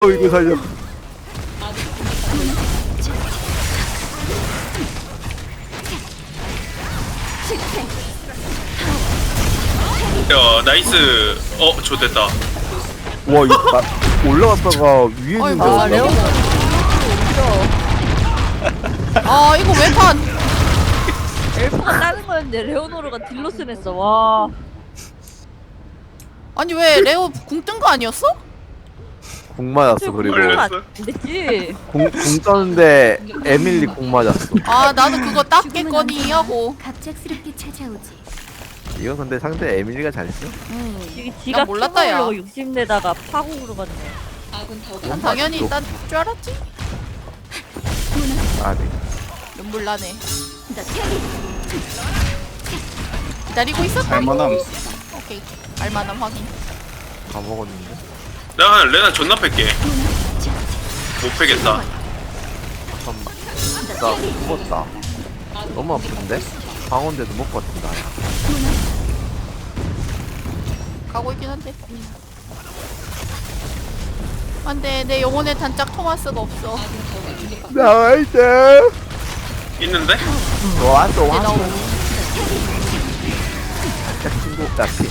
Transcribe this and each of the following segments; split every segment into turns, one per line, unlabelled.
이거 살려.
야 나이스. 좋됐다.
와 이거 올라갔다가 위에 있는데
아 레오
올라가.
아 이거 왜판
엘프가 다른 거였는데 레오노르가 딜로스 냈어. 와.
아니 왜 레오 궁 뜬 거 아니었어?
공 맞았어. 그리고
걸렸어?
안 됐지.
공 떴는데 에밀리 공 맞았어.
아 나도 그거 땄겠거니 하고
갑작스럽게 찾아오지.
이거 근데 상대 에밀리가 잘했어.
지가
몰랐다, 야.
려고 욕심내다가 파국으로 갔네.
난 당연히 딴 줄 알았지.
아 네.
눈물 나네. 기다리고 있었다.
할만함.
오케이. 알만함 확인.
다 먹었는데.
내가 레나 존나 팰게. 못 패겠다.
잠깐만. 나 죽었다. 너무 아픈데? 방어인데도 못 버틴다.
가고 있긴 한데. 안돼 내 영혼의 단짝 토마스가 없어.
나이스.
있는데?
왔어
내
왔어.
나오.
친구 같이.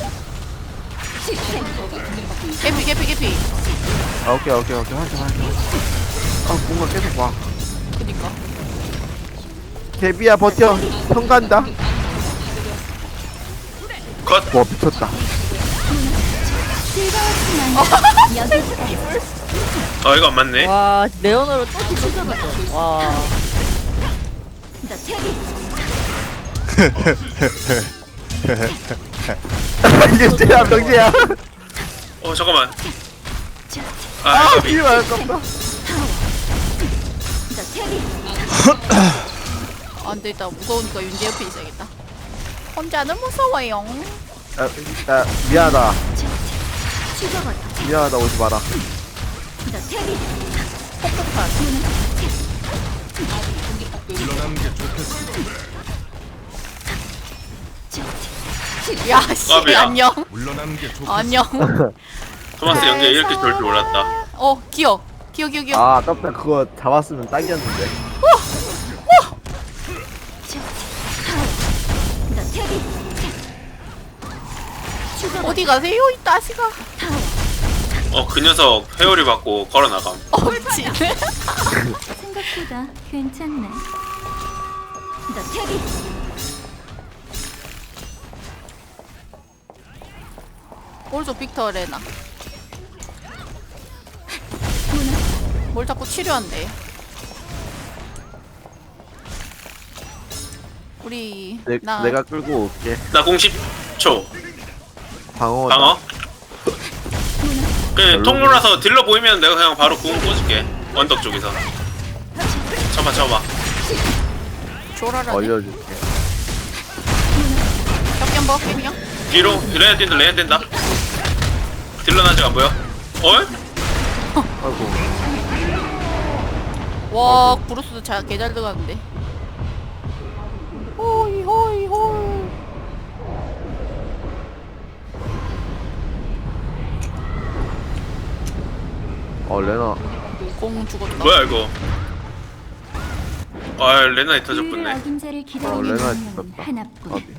개피.
아, 오케이 하자. 아 뭔가 계속 와.
그니까.
데비야 버텨. 형 간다.
컷.
와 미쳤다.
이거 안 맞네.
와 레오노르 또 딜로스 냈어. 와.
이게 쟤야 병재야.
잠깐만.
아
이거
이거 아깝다.
안되겠다. 무서우니까 윤재 옆에 있어야겠다. 혼자는 무서워요.
미안하다. 미안하다 오지 마라.
폭폭탄. 야씨
까비야.
안녕. 안녕.
토마스 연계 이렇게 좋을 줄 몰랐다.
기억.
아 아깝다. 그거 잡았으면 딱이었는데.
어디 가세요 이 따시가.
그 녀석 회오리 받고 걸어 나감.
미친.
생각보다 괜찮네.
뭘줘 빅터 레나. 뭘 자꾸 치료한대. 우리
내가 끌고 올게.
나 공 10초.
방어.
방어. 그 통로라서 딜러 보이면 내가 그냥 바로 궁 꽂을게. 언덕 쪽에서. 쳐봐.
조라라네.
얼려줄게.
벽견 먹을게요.
뒤로 레나 뛴다. 딜러는 아직 안 보여?
아이고.
와 브루스 개잘 들어갔는데. 호이.
레나.
공 죽었다.
뭐야 이거? 레나이 터졌군네.
어김자를 기다리는
레나
사람은
죽었다.
하나뿐.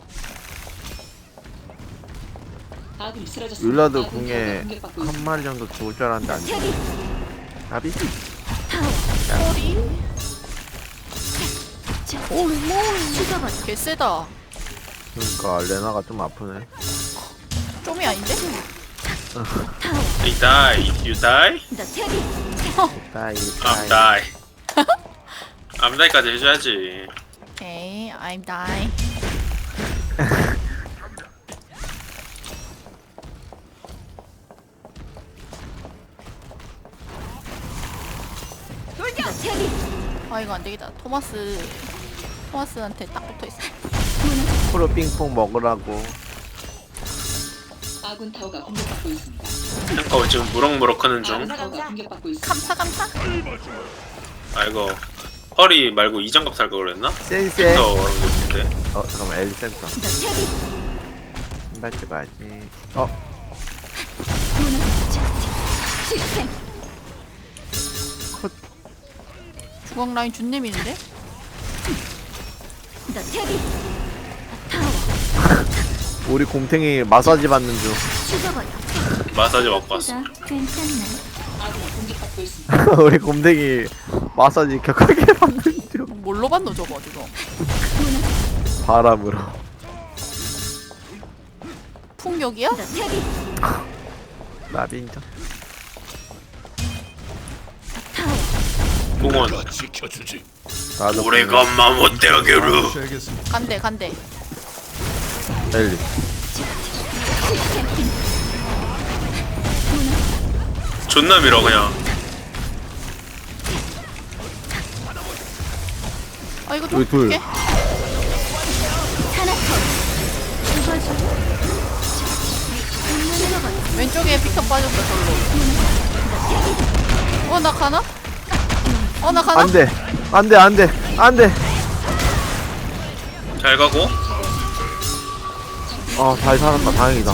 율라드 궁에 한 마리 정도 죽을 줄 알았는데 안 죽어. 아비?
개 세다.
그러니까 레나가 좀 아프네.
좀이 아닌데?
You die.
다이
I'm die. I'm die까지 해줘야지.
오케이, I'm die. 아 이거 안 되겠다. 토마스한테 딱 붙어 있어.
프로 빙퐁 먹으라고.
아군 타워가 공격받고 있습니다.
지금 무럭무럭 하는 중.
아군 타워가 공격받고 있습니다.
감사.
아이고 허리 말고 이장갑 살까 그랬나?
센세.
더 그런데.
잠깐만 엘 센터. 신발 찍어야지.
중앙 라인 준nem인데?
너 태기
우리 곰탱이 마사지 받는 중.
죽어버려.
마사지 받고 왔어.
생각보다 괜찮네.
아군이 공격받고 있습니다.
우리 곰탱이 마사지 격하게 받는 중.
뭘로 봤노 저거 지금?
바람으로.
풍격이야?
너 태기
나빈정.
공원.
나도
오래간만 못되게로.
간대.
엘리.
존나 밀어 그냥.
아 이거 좀
여기 둘.
줄게. 왼쪽에 피터 빠졌다 절로. 나 가나? 나 가나?
안돼. 안돼.
잘 가고.
잘 살았다. 다행이다.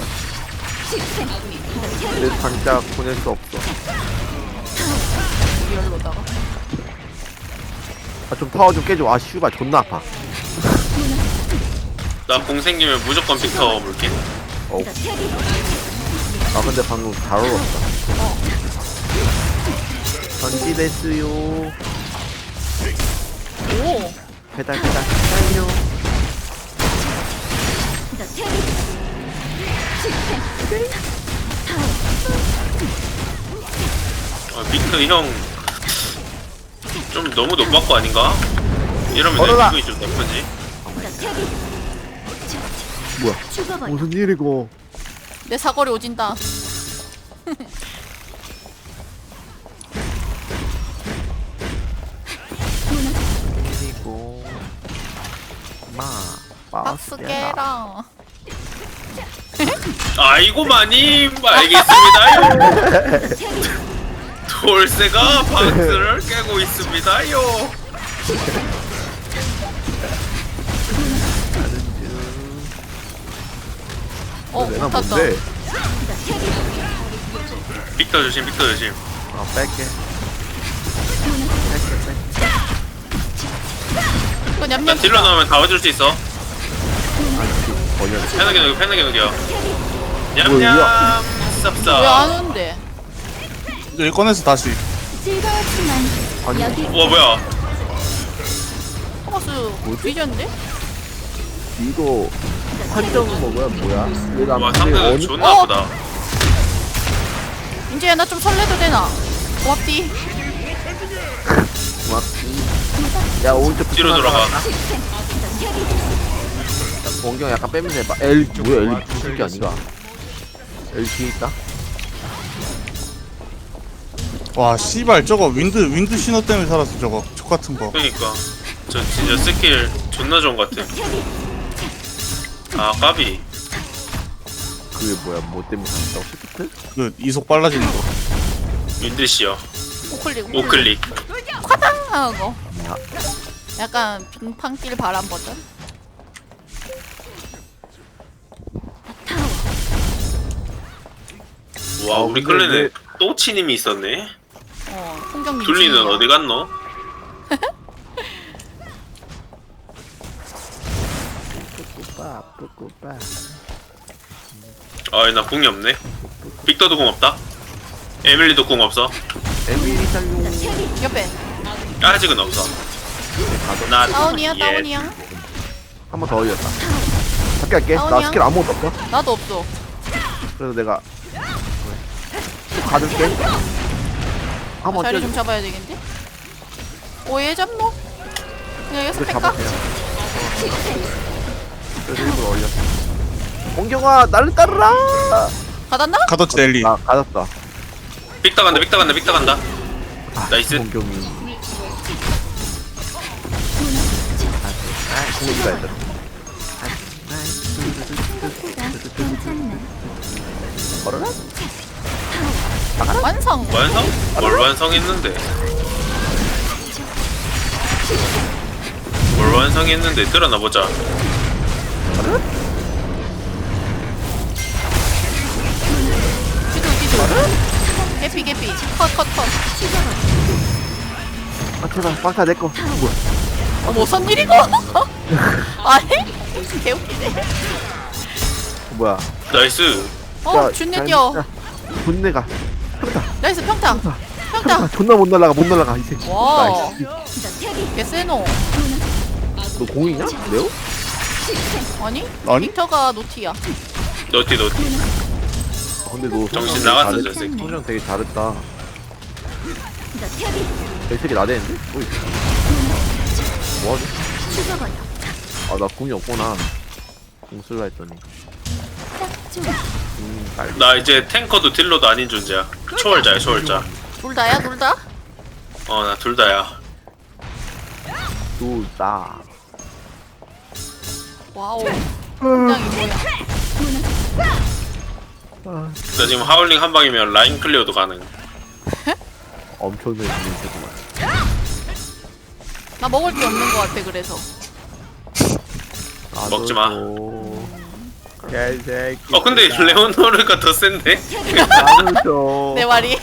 내 장작 보낼 수 없어.
리얼로다가.
좀 타워 좀 깨줘. 슈가 존나 아파.
나 공 생기면 무조건 빅터 물게.
근데 방금 잘 얼었다. 전지됐어요.
오.
배달요.
빅터 형. 좀 너무 높은 거 아닌가? 이러면
얼어라.
내 기분이 좀 나쁘지.
뭐야?
죽어버려.
무슨 일이고?
내 사거리 오진다.
일이고.
박스 깨라.
아이고 마님 알겠습니다요. 돌쇠가 박스를 깨고 있습니다요.
내가
탔다.
뭔데?
빅터 조심.
뺄게.
이거
난
냠냠.
딜러 나오면 다 와줄 수 있어.
번역.
패너게 녹여. 냠냠
뭐야?
왜
쌉쌉.
안 오는데?
이제 꺼내서 다시.
즐거웠지만
아니,
여기
와 뭐야?
토마스 뒤졌는데?
이거 한정 먹어야 뭐야? 얘가
와 상대가 존나 아프다.
이제 나 좀 설레도 되나? 고맙디.
야 오른쪽
뒤로 돌아가.
원경 약간 빼면서 해봐. 엘 뭐야? 엘리 무슨 게 아니가? 엘 뒤에 있다.
와 씨발 저거 윈드 신호 때문에 살았어 저거 족 같은 거.
그러니까 저 진짜 스킬 존나 좋은 것 같아. 아 까비.
그게 뭐야? 뭐 때문에 산다고 시프트?
그 이속 빨라지는 거.
윈드시여.
우클릭.
우클릭.
콰당 하고.
야.
약간 빙판길 바람 버전.
와 우리
근데
클랜에 또치님이 있었네.
풍경님.
둘리는 어디 갔노?
뿌꾸빠.
아나 궁이 없네. 빅터도 궁 없다. 에밀리도 궁 없어.
에밀리 살용.
옆에.
아직은 없어. 나
다운이야.
한 번 더 올렸다. 할게. 나
다운이야?
스킬 아무것도 없어.
나도 없어.
그래서 내가 가둘게. 한번
자리
뛰어.
좀 잡아야 되겠는데? 오얘 잡노? 그냥 여기서
이거
뺄까?
잡아야 그래서 일부러 올렸어. 원경아 나를 따르라.
가닿나?
가뒀지 엘리.
나 가졌다.
빅터 간다. 나이스.
원경이. 공이다 얘들.
괜찮네.
걸어라.
완성.
완성? 뭘 완성했는데? 뭘 완성했는데 들어나 보자.
뒤도. 개피. 컷.
아 제발 빵타 내꺼. 뭐야?
어머 무슨 일이고? 아니? 개웃기네.
뭐야?
나이스.
어 준내 뛰어.
분내가.
나이스 평타. 평타.
존나 못 날라가 못 날라가 이 새끼.
와.
나이스.
개세노.
너 공이냐? 레오?
아니?
아니?
빅터가 노티야.
너티.
아, 근데 너
정신
성장
나갔어,
되게
저
잘했-
새끼.
성장 되게 잘했다. 이 새끼 나대는데? 어이. 뭐하지?
죽어버려.
아 나 궁이 없구나. 궁 쓸라 했더니.
딱 좋아.
날.
나 이제 탱커도 딜러도 아닌 존재야. 초월자야, 초월자.
둘 다야 둘 다?
어, 나 둘 다야.
둘다.
와우. 굉장히 뭐야?
나 지금 하울링 한 방이면 라인 클리어도 가능.
엄청난 인생구만.
나 먹을 게 없는 것 같아 그래서.
먹지 마.
개새끼.
근데 레오노르가 더 센데?
나도
내 말이.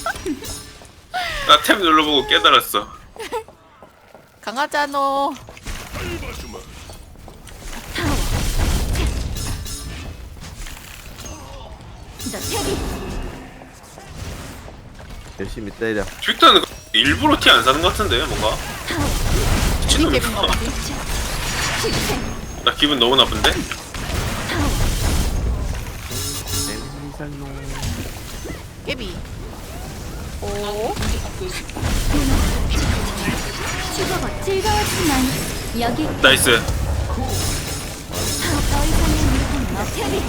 나 탭 눌러보고 깨달았어.
강하잖아.
열심히 때려.
빅터는 일부러 티 안 사는 것 같은데, 뭔가? 미친놈이야.
개빈가 보지.
나 기분 너무 나쁜데?
깨비. 오.
공격받고 있습니다.
죽어버려. 즐거웠지만 여기
나이스.
더 이상의 물건 없지.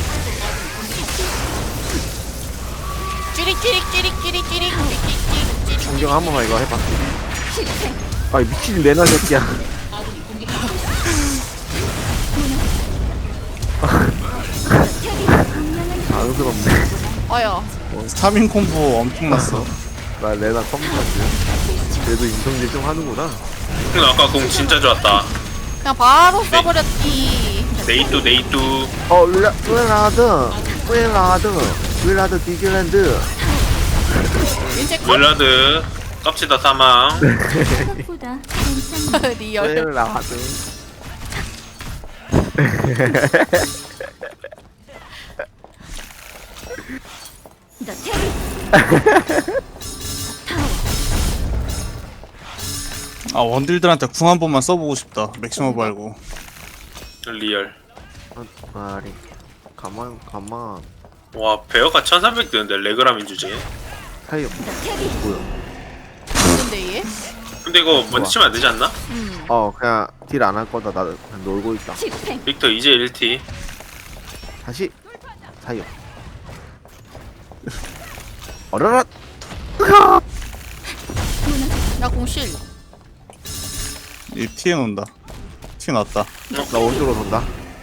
찌릿찌릿찌릿찌릿찌릿.
공경 한 번만 이거 해봐. 아 미친 내나 새끼야.
아군이 공격받고 있습니다.
당스럽네.
아야.
3인 콤보 엄청났어.
나 레나 처음 봤지. 그래도 인성질 좀 하는구나.
형 아까 공 진짜 좋았다.
그냥 바로 써버렸지.
네이뚜.
윌라드 디즈랜드.
인체 컷.
웰라드. 깝치다 사망.
생각보다 괜찮네.
리얼.
윌라드.
너 태비.
아 원딜들한테 궁 한 번만 써보고 싶다. 맥시멈 말고.
리얼.
아리. 가만.
와, 베어가 1300 되는데 레그라민 주제.
사이 없.
너 태비.
뭐야?
근데 얘?
근데 이거 먼저 치면 안 되지 않나?
그냥 딜 안 할 거다. 나 그냥 놀고 있다.
집행.
빅터 이제 1티.
다시 사이 없. 어라라.
나 공실.
이 티에 논다. 티 났다.
나 오른쪽으로 돈다.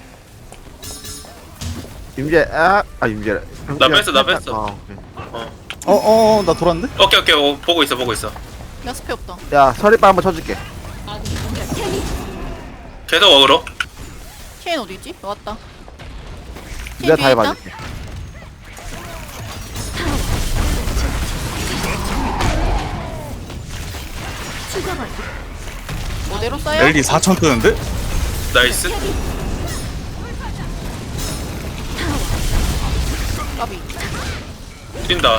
임재 임재.
나 뺐어.
오케이.
나 돌았는데?
오케이. 보고 있어.
나 스페 없다.
야 서리빠 한번 쳐줄게.
아군이 공격받고
계속 어그로.
체인 어디지? 왔다.
내가 다
뒤에 있다?
해봐줄게.
죽어버려.
뭐대로 써요?
LD 4000 뜨는데?
나이스.
까비.
뛴다.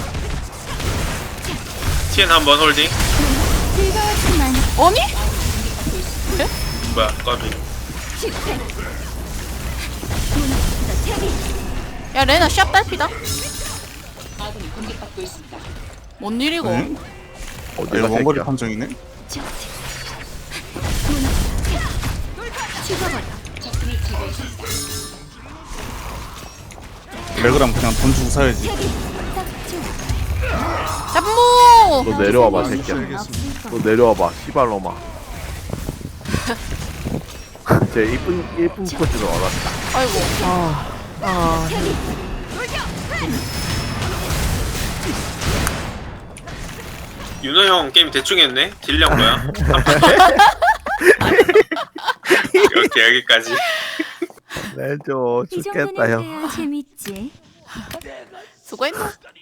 TN 한번 홀딩.
즐거웠지만
아니?
뭐야, 까비.
집행. 너 태비.
야 레나 샵 딸피다.
아군이 공격받고 있습니다.
뭔 일이고?
응?
어디가
이거 원거리
새끼야?
판정이네?
좋지. 죽어버려.
적군을 제거했습니다.
레그람 그냥 돈 주고 사야지.
태비. 딱 좋아.
잡무.
너 내려와봐 새끼야.
없을
너
거야.
내려와봐 씨발로마. 제 이쁜 코치도 알았다.
아이고.
윤호 형 게임 대충 했네? 딜량 뭐야? 오케이, 여기까지.
내줘
이
죽겠다 형.
정도는 돼야 재밌지.
수고했나?